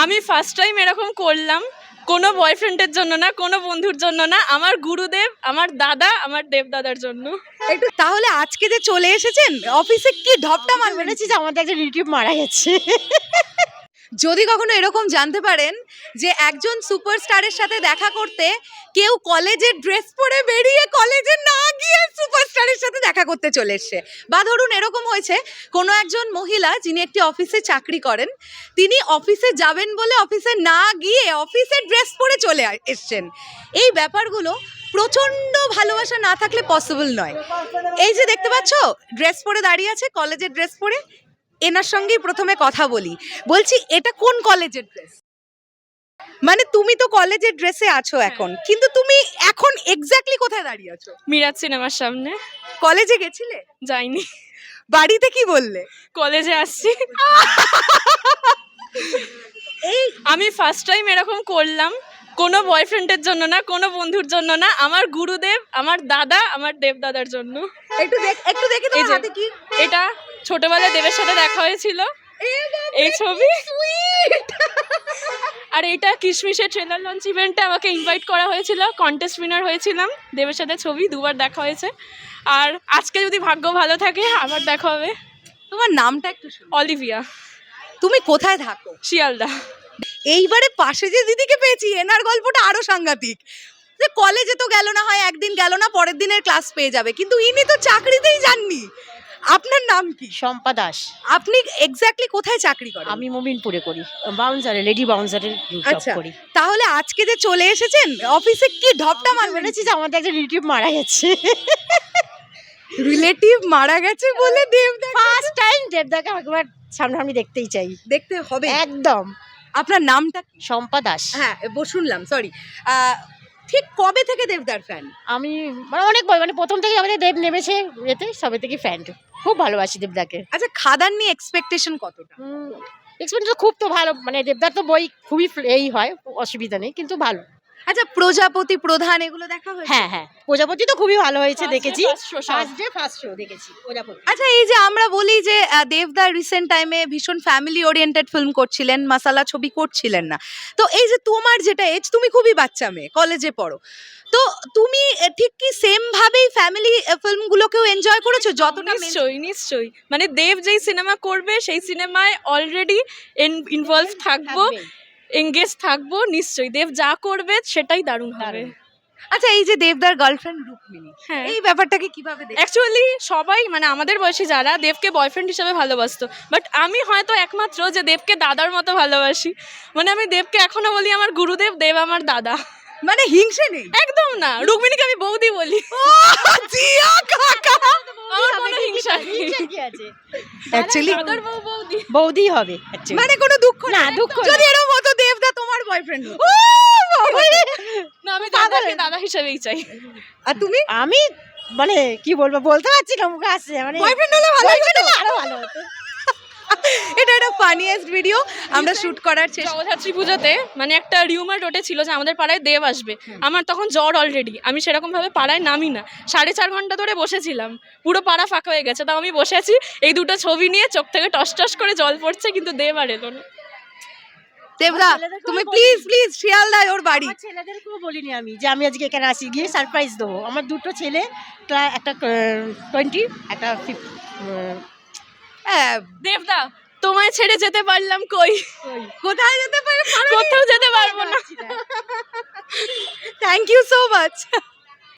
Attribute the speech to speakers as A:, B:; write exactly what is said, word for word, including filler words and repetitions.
A: আমি first time এরকম করলাম, কোনো বয়ফ্রেন্ডের জন্য না, কোনো বন্ধুর জন্য না, আমার গুরুদেব, আমার দাদা, আমার দেবদাদার জন্য।
B: একটু তাহলে আজকে যে চলে এসেছেন অফিসে কি ঢপটা মার
C: বলেছি যে আমাদের একজন রিলেটিভ মারা গেছে।
B: যদি কখনো এরকম জানতে পারেন যে একজন সুপারস্টারের সাথে দেখা করতে কেউ কলেজের ড্রেস পরে বেরিয়ে কলেজে না গিয়ে সুপারস্টারের সাথে দেখা করতে চলে এসছে, বা ধরুন এরকম হয়েছে কোনো একজন মহিলা যিনি একটি অফিসে চাকরি করেন, তিনি অফিসে যাবেন বলে অফিসে না গিয়ে অফিসের ড্রেস পরে চলে আ- এসছেন, এই ব্যাপারগুলো প্রচণ্ড ভালোবাসা না থাকলে পসিবল নয়। এই যে দেখতে পাচ্ছ ড্রেস পরে দাঁড়িয়ে আছে, কলেজের ড্রেস পরে, এনার সঙ্গেই প্রথমে কথা বলি। বলছি এটা কোন কলেজের ড্রেস? মানে তুমি তো কলেজের ড্রেসে আছো এখন, কিন্তু তুমি এখন এক্স্যাক্টলি কোথায় দাঁড়িয়ে আছো?
A: মিরাজ সিনেমার সামনে।
B: কলেজে গেছিলে?
A: যাইনি,
B: বাড়িতে কি বললে?
A: কলেজে আসছি।
B: এই
A: আমি ফার্স্ট টাইম এরকম করলাম, কোনো বয়ফ্রেন্ডের জন্য না, কোনো বন্ধুর জন্য না, আমার গুরুদেব, আমার দাদা, আমার দেবদাদার জন্য।
B: একটু দেখ, একটু দেখি
A: এই
B: তোমার
A: যে
B: হাতে কি।
A: এটা ছোটবেলায় দেবের সাথে দেখা হয়েছিল,
B: এ বাপরে,
A: এই ছবি।
B: কি sweet!
A: আর এটা কিশমিশের ট্রেলার লঞ্চ ইভেন্টে আমাকে ইনভাইট করা হয়েছিল, কন্টেস্ট উইনার হয়েছিলাম, দেবের সাথে ছবি দুবার দেখা হয়েছে। আর আজকে যদি ভাগ্য ভালো থাকে আবার দেখা হবে।
B: তোমার নামটা একটু শুনি।
A: অলিভিয়া,
B: তুমি কোথায় থাকো?
A: শিয়ালদা।
B: এইবারে পাশে যে দিদিকে পেয়েছি এনার গল্পটা আরো সাংঘাতিক। যে কলেজে তো গেল না, হয় একদিন গেল না, পরের দিনের ক্লাস পেয়ে যাবে, কিন্তু ইনি তো চাকরিতেই যাননি। আপনার নাম কি?
C: শম্পা দাস।
B: আপনি এক্স্যাক্টলি কোথায় চাকরি করেন?
C: আমি মোমিনপুরে করি, বাউন্সারে, লেডি বাউন্সারে জব
B: আচ্ছা,
C: করি।
B: তাহলে আজকে যে চলে এসেছেন অফিসে কি ঢপটা মার
C: বলেছি যে আমাদের একজন রিলেটিভ মারা গেছে।
B: রিলেটিভ মারা গেছে বলে দেবদা
C: ফার্স্ট টাইম দেবদাকে একবার সামনাসামনি দেখতেই চাই।
B: দেখতে হবে।
C: একদম।
B: আপনার নামটা কি?
C: শম্পা দাস।
B: হ্যাঁ ব- শুনলাম, সরি। ঠিক কবে থেকে দেবদার ফ্যান?
C: আমি মানে অনেক বই, মানে প্রথম থেকে আমাদের দেব নেমেছে এতে, সবে থেকে ফ্যান, খুব ভালোবাসি দেবদাকে।
B: আচ্ছা, খাদান নিয়ে এক্সপেকটেশন কতটা?
C: এক্সপিরিয়েন্স খুব তো ভালো, মানে দেবদার তো বই খুবই ফ্ল- এই হয়, অসুবিধা নেই, কিন্তু ভালো।
B: আচ্ছা, প্রজাপতি, প্রধান এগুলো দেখা হয়েছে?
C: হ্যাঁ হ্যাঁ, প্রজাপতি তো খুবই ভালো হয়েছে,
A: First day,
C: দেখেছি।
A: first show সব।
C: ফার্স্ট ডে ফার্স্ট শো দেখেছি প্রজাপতি।
B: আচ্ছা, এই যে আমরা বলি যে আহ, দেবদা রিসেন্ট টাইমে ভীষণ ফ্যামিলি ওরিয়েন্টেড ফিল্ম করছিলেন, মাসালা ছবি করছিলেন না, তো এই যে তোমার যেটা এজ, তুমি খুবই বাচ্চা মেয়ে, কলেজে পড়ো, তো তুমি আহ, ঠিক কি সেম ভাবেই ফ্যামিলি ফিল্মগুলোকেও এনজয় করেছো যতটা main-
A: নিশ্চয়ই নিশ্চয়ই, মানে দেব যেই সিনেমা করবে সেই সিনেমায় অলরেডি ইনভলভ থাকবো,
C: থাকবেই।
A: এঙ্গেজ থাকবো। নিশ্চয়ই দেব যা করবে সেটাই দারুণ হবে।
C: দারুণ।
B: আচ্ছা, এই যে দেবদার গার্লফ্রেন্ড রুক্মিণী,
A: হ্যাঁ,
B: এই ব্যাপারটাকে কিভাবে দেখো?
A: অ্যাকচুয়ালি সবাই মানে আমাদের বয়সী যারা দেবকে বয়ফ্রেন্ড হিসেবে ভালোবাসতো, বাট আমি হয়তো একমাত্র যে দেবকে দাদার মতো ভালোবাসি। মানে আমি দেবকে এখনো বলি আমার গুরুদেব, দেব আমার দাদা।
B: মানে হিংসে নেই?
A: একদম না, রুক্মিণীকে আমি বৌদি বলি।
B: ও, জিয়া কাকা!
A: আমার কোনো হিংসা নেই।
C: হিংসা কি আছে?
B: Actually,
A: দাদার বউ বৌদি।
C: বৌদি হবে actually।
B: মানে কোনো দুঃখ
C: না,
B: নেই?
C: দুঃখ
B: যদি এরকম হতো দেবদা তোমার বয়ফ্রেন্ড হতো।
A: না, আমি দাদাকে দাদা হিসেবেই চাই।
B: আর তুমি?
C: আমি মানে কি বলবো, বলতে পারছি না, মুখে আসছে, মানে
B: বয়ফ্রেন্ড হলে ভালো
C: boyfriend
B: হতো?
C: হলে আরো ভালো হতো।
B: এটা একটা ফানিয়েস্ট ভিডিও আমরা শুট করার চেষ্টা।
A: জগদ্ধাত্রী পুজোতে মানে একটা রিউমার রোটে ছিল যে আমাদের পাড়ায় দেব আসবে, আমার তখন জ্বর অলরেডি, আমি সেরকম ভাবে পাড়ায় নামি না, সাড়ে চার ঘন্টা ধরে বসেছিলাম, পুরো পাড়া ফাঁকা হয়ে গেছে, তাও আমি বসে আছি, এই দুটো ছবি নিয়ে চোখ থেকে টস টস করে জল পড়ছে, কিন্তু দেব আর এলো না।
B: দেবদা,
C: ছেলেদেরকেও
B: তুমি
C: বলি।
B: প্লিজ প্লিজ শিয়ালদায় ওর বাড়ি।
C: আমার ছেলেদেরকেও বলিনি আমি যে আমি আজকে এখানে আসি, গিয়ে সারপ্রাইজ দেবো। আমার দুটো ছেলে, প্রায় একটা টোয়েন্টি, একটা ফিফটি।
B: হ্যাঁ,
A: দেবদা, তোমায় ছেড়ে যেতে পারলাম কই,
B: কোথায় যেতে পারে?
A: কোথাও যেতে পারবো না।
B: Thank you so much.